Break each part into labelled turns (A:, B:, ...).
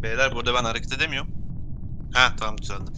A: Beyler burada ben hareket edemiyorum. Ha tamam düzeldi.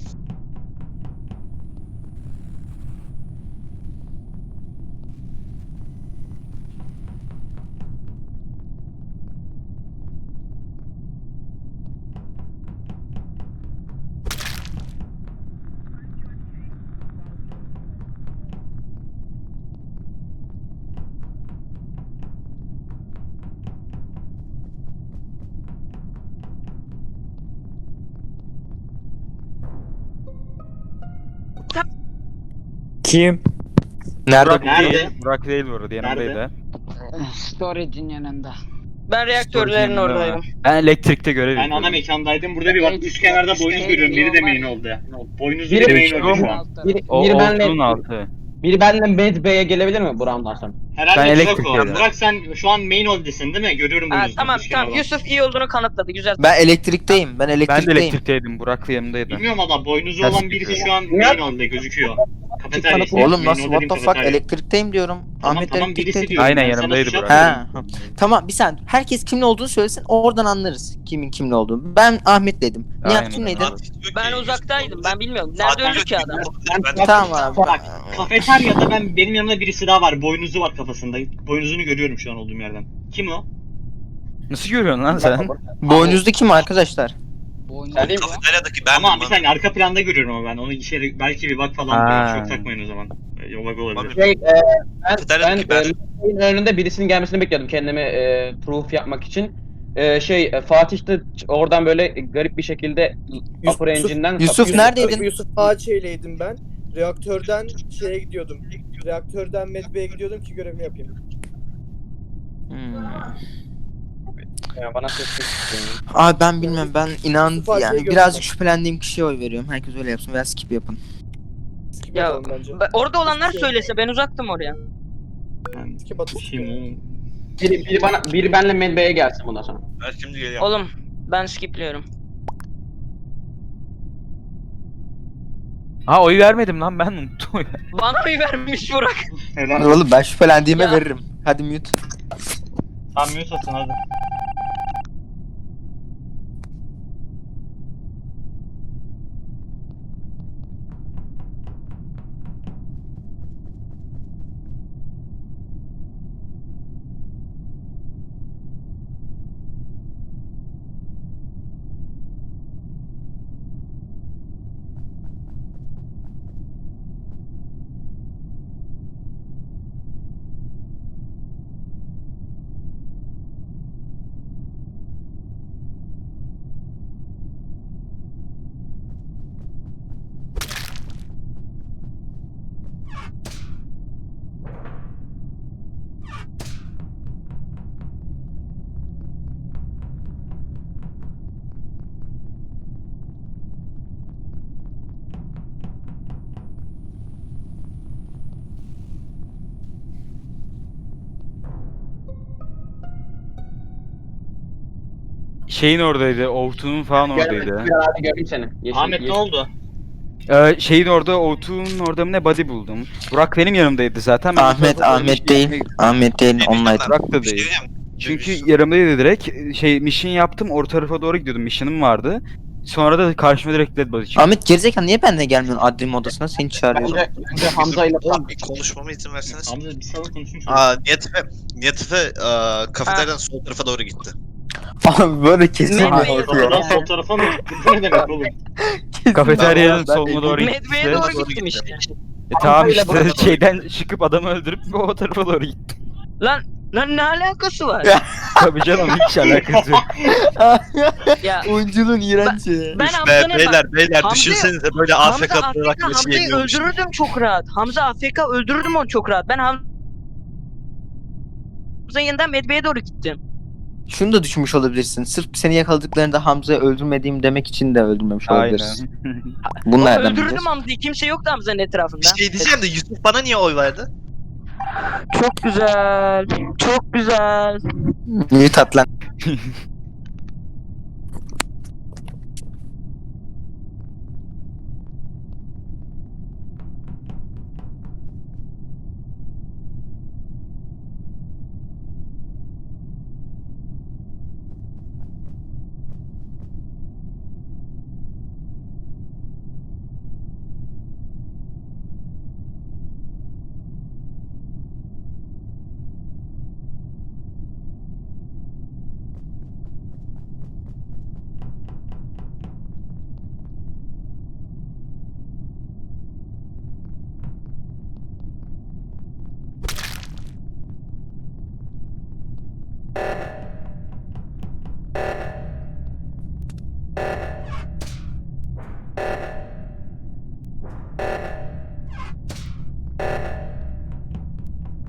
B: Kim?
C: Burak
D: Nerede?
C: değil. Burak değil bu arada yanımdaydı.
E: Storage'in yanında.
F: Ben reaktörlerin
C: Storage'in yanında
F: oradayım.
C: mı? Ben elektrikte görev
D: Ben
C: yapıyorum.
D: ana mekandaydım. Burada bir bak üst kenarda boynuz görüyorum. Biri de main oldu. Boynuz
C: Biri
D: biri main
C: üçlü
D: oldu şu
C: mu?
D: an.
C: O
G: benle
C: olduğun altı.
G: biri benle Med B'ye gelebilir mi Buram'dan sonra?
D: Herhalde
C: Ben
D: Burak o.
C: elektrikteydim.
D: Burak sen şu an main oldusun değil mi? Görüyorum
F: Ha,
D: boynuzu.
F: tamam
D: üst
F: tamam.
D: kenardan.
F: Yusuf iyi olduğunu kanıtladı. Güzel.
B: Ben elektrikteyim. Ben
C: Ben de
B: elektrikteyim.
C: elektrikteydim. Burak'la yanımdaydı.
D: Bilmiyorum ama boynuzu
C: Nasıl
D: olan birisi
C: gidiyor?
D: şu an main oldu gözüküyor. Kafeterya.
B: Oğlum nasıl what the fuck elektrikteyim diyorum.
D: Tamam
B: Ahmet
D: tamam birisi
B: elektrikte.
D: diyor.
C: Aynen,
D: Ben sana
C: yanımdaydı
D: tuşa
C: Burak.
D: atıyorum.
B: Ha. Tamam bir saniye. Herkes kimin olduğunu söylesin. Oradan anlarız kimin kimle olduğunu. Ben Ahmet dedim.
C: Aynen.
B: Nihat kimleydi?
F: Ben uzaktaydım. Ben bilmiyorum. Nerede öldü ki adam?
B: Tamam abi.
D: Bak kafeteryada benim yanımda birisi daha var. Boynuzu var kafasında. Boynuzunu görüyorum şu an olduğum yerden. Kim o?
C: Nasıl görüyorsun lan sen?
B: Boynuzlu kim arkadaşlar?
E: Boynuzlu ya.
A: Kafeteryadaki ben
D: Ama bir saniye arka planda görüyorum ama ben. Onu belki bir bak falan.
C: Ha.
D: Çok takmayın o zaman. Bak olabilir.
G: Ben
A: Kafeteryadaki ben.
G: Medbay'in önünde birisinin gelmesini bekliyordum kendimi proof yapmak için. Fatih de oradan böyle garip bir şekilde Upper Engine'den
B: Yusuf neredeydin?
H: Yusuf Ağaçeyle'ydim ben. Reaktörden şeye gidiyordum. Reaktörden Medbay'e gidiyordum ki görevimi yapayım.
G: bana ses
B: Abi ben bilmem ben inan
H: Yusuf Ağaçey'i
B: yani
H: gördüm
B: birazcık
H: ben.
B: şüphelendiğim kişiye oy veriyorum. Herkes öyle yapsın veya skip yapın.
H: Skip
F: Ya
H: atalım bence.
F: orada olanlar söylese ben uzaktım oraya.
H: Skip atın.
G: biri benle Med B'ye gelsin bundan sonra.
A: Ben şimdi geliyorum.
F: Oğlum ben skipliyorum.
C: Ha oy vermedim lan ben unuttum.
F: Bana oy vermiş Burak.
D: Helal.
B: Oğlum ben şüphelendiğime
F: Ya.
B: veririm. Hadi mute.
D: Tamam mute atın hadi.
C: Şeyin oradaydı. Ovtu'nun falan oradaydı.
G: Hadi göreyim seni.
D: Ahmet ne oldu?
C: Şeyin orada, Ovtu'nun orada mı ne body buldum. Burak benim yanımdaydı zaten. Ben
B: Ahmet
C: o tarafa doğru
B: Ahmet değil. Ahmet değil. Online.
C: Burak da değil. Çünkü yanımdaydı direkt. Mission yaptım. Orta tarafa doğru gidiyordum. Mission'ım vardı. Sonra da karşıma direkt dead body çıktı.
B: Ahmet gerizekalı niye benimle gelmiyorsun admin odasına? Seni çağırıyorum.
G: Önce Hamza ile
A: Oğlum bir konuşmama izin verseniz.
D: Hamza bir salın konuşun şu.
A: Nihat Efe kafeteryadan sol tarafa doğru gitti.
B: Abi böyle kesin
F: Medbay'e
B: bir
F: doğru.
B: korkuyor.
D: Kapıdan sol tarafa mı gitti? Bu ne demek oğlum?
C: Kafeteryanın
B: Ben-
C: soluna doğru gitti.
F: Medve'ye doğru gittim işte.
C: Tamam
G: Hamza ile
C: işte
G: Burak-
C: şeyden çıkıp adamı öldürüp o tarafa doğru gitti.
F: Lan ne alakası var?
C: Tabii canım hiç alakası yok.
F: Ya
B: Oyunculuğun iğrenci.
F: ben
A: Üf
F: Hamza'nın
A: beyler
F: Hamza-
A: düşünsenize böyle
F: Hamza
A: AFK olarak
F: AFK
A: bir şey
F: Hamza'yı
A: yeniyormuş.
F: öldürürdüm çok rahat. Hamza AFK öldürürdüm onu çok rahat. Ben Hamza'nın yanından Medve'ye doğru gittim.
B: Şunu da düşünmüş olabilirsin. Sırf seni yakaladıklarında Hamza'yı öldürmediğim demek için de öldürmemiş
C: Aynen.
B: olabilirsin. Bunu nereden
F: Öldürürdüm
B: biliyorsun?
F: Hamza'yı. Kimse yoktu Hamza'nın etrafında.
A: Bir şey diyeceğim de Yusuf bana niye oy verdi?
F: Çok güzel. Çok güzel.
B: Mute at lan.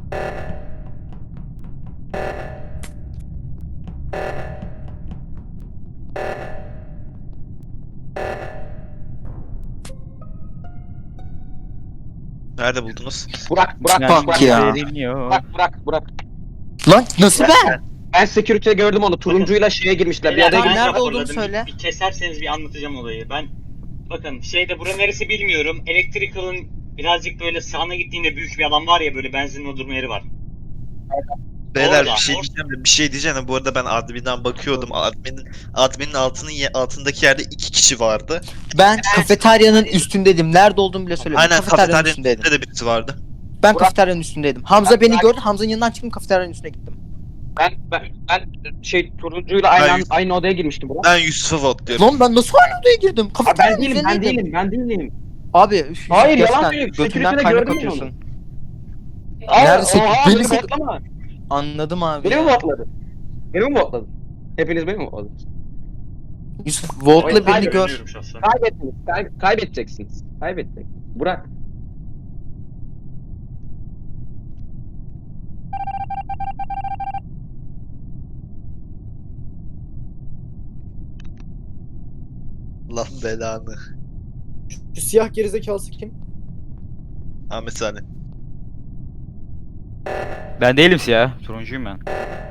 A: Nerede buldunuz?
G: Burak.
B: Bak ya.
G: Burak.
B: Lan nasıl ben?
G: Ben security'de gördüm onu. Turuncuyla şeye girmişler. Bir
D: Beyler,
G: adaya
B: Tamam,
D: ben
B: nerede
G: girmişler.
B: olduğunu
D: raporladım.
B: söyle.
D: Bir keserseniz bir anlatacağım olayı. Ben bakın bura neresi bilmiyorum. Electrical'ın birazcık böyle sağına gittiğinde büyük bir alan var ya, böyle benzin doldurma yeri var.
A: Beyler
D: Orada.
A: bir şey diyeceğim de bir şey diyeceğim de bu arada ben adminden bakıyordum. Adminin altındaki yerde 2 kişi vardı.
B: Ben kafeteryanın üstündeydim. Nerede olduğumu bile söyledim.
A: Aynen
B: Kafeteryanın
A: kafeteryanın
B: üstündeydim.
A: üstünde de birisi vardı.
B: Ben kafeteryanın üstündeydim. Hamza beni gördü. Hamza'nın yanından çıktım, kafeteryanın üstüne gittim.
G: Ben turuncuyla aynı odaya girmiştim Burak.
A: Ben Yusuf'a votluyorum.
B: Lan ben nasıl aynı odaya girdim?
G: Abi
B: Kafeteryanın
G: ben
B: üzerindeydim.
G: değilim.
B: Abi üf,
G: Hayır, yalan
B: gerçekten
G: söylüyor.
B: götünden
G: Security'de
B: kaynak
G: gördüm ben
B: atıyorsun.
G: Aa,
B: Neredeyse
G: oha,
B: beni
G: beni
B: sek-
G: botlama.
B: Anladım abi.
G: Beni mi
B: ya.
G: botladın? Beni mi botladın? Hepiniz beni mi botladınız?
B: Yusuf Volt'la
G: Hayır,
B: beni
G: hayır,
B: gör.
D: Biliyorum şahsen.
G: Kaybedeceksiniz. Burak.
A: Lan belanı.
H: Şu siyah gerizekalısı kim?
A: Ahmet Sani.
C: Ben değilim siyah. Turuncuyum ben.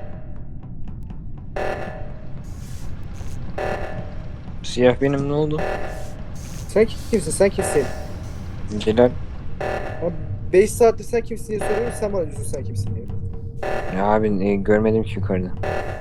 I: Siyah benim, ne oldu?
H: Sen kimsin? Sen kimsin?
I: Celal.
H: Abi 5 saattir sen kimsin diye soruyorum, sen bana diyorsun sen kimsin diye.
I: Ya abi görmedim ki yukarıda.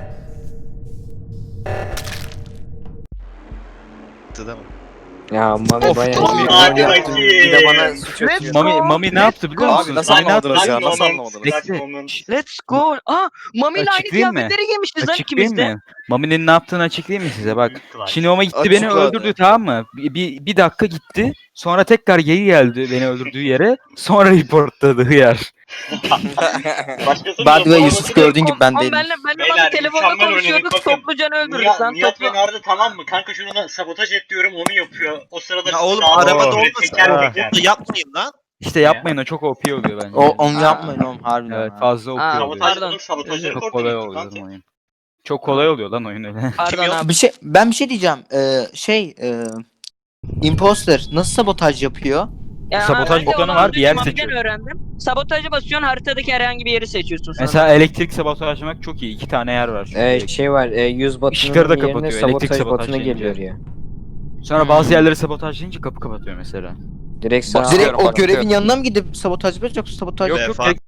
A: Değil mi?
I: Ya Mami bayağı
C: Mami,
D: hadi
I: yaptın.
D: bakayım.
I: Bir de bana suç atıyor.
C: Mami ne yaptı biliyor musun?
J: Abi nasıl
C: Mami ne yaptı?
J: anlamadınız ya? Nasıl
D: Moment,
J: anlamadınız?
C: Bekle.
D: moment.
F: Let's go. Mami ile aynı
C: Açıklayayım mı?
F: kıyafetleri giymişiz lan
C: Açıklayayım
F: ikimiz de.
C: mı? Mami'nin ne yaptığını açıklayayım mı size? Bak.
D: Clutch.
C: Şimdi o gitti
J: Açıkla
C: beni
J: hadi.
C: öldürdü, tamam mı? Bir dakika gitti. Sonra tekrar geri geldi beni öldürdüğü yere. Sonra reportladı yer.
D: Başkası
B: By the way
D: mı?
B: Yusuf gördüğün gibi ben
F: Oğlum
B: değilim.
F: benle
D: Beyler,
F: Mami telefonda
D: mükemmel
F: konuşuyorduk.
D: oynadık, bakın.
F: Topluca öldürdük lan.
D: Nihat
F: Toplu.
D: beni aradı, tamam mı? Kanka şunu sabotaj et diyorum, onu yapıyor. O sırada
A: Ya oğlum
D: sağa
A: arabada
D: böyle
A: olmasın.
D: teker
C: Ha.
D: teker.
A: Bunu yapmayın lan.
C: İşte yapmayın, o çok OP oluyor bence.
B: Onu yapmayın oğlum harbiden.
C: Evet,
B: ha.
C: fazla OP
F: Aa,
C: oluyor.
F: pardon.
D: Sabotajladım, sabotajı
C: Çok
D: reporta
C: kolay
D: gittim
C: oluyor
D: kanka.
C: lan oyun. Çok kolay oluyor lan oyun öyle.
F: Pardon
A: yok?
F: abi.
B: Ben bir şey diyeceğim. Imposter nasıl sabotaj yapıyor?
F: Ya
C: Sabotaj
F: ben de
C: butonu
F: onu
C: var, bir yer
F: Mami'den
C: seçiyor.
F: öğrendim. Sabotajı basıyorsun, haritadaki herhangi bir yeri seçiyorsun sonra.
C: Mesela elektrik sabotajlamak çok iyi. 2 tane yer var çünkü.
I: Şey var, yüz
C: Işıkları da
I: batının yerine
C: kapatıyor, elektrik
I: sabotaj
C: sabotaj
I: batını
C: deyince.
I: geliyor ya.
C: Sonra bazı yerleri sabotajlayınca kapı kapatıyor mesela.
I: Direkt sağa
B: Direkt o
J: bakıyorum.
B: görevin yanına mı gidip sabotaj yapacak yoksa sabotaj
C: Yok
A: Be,
C: yok,
A: fark-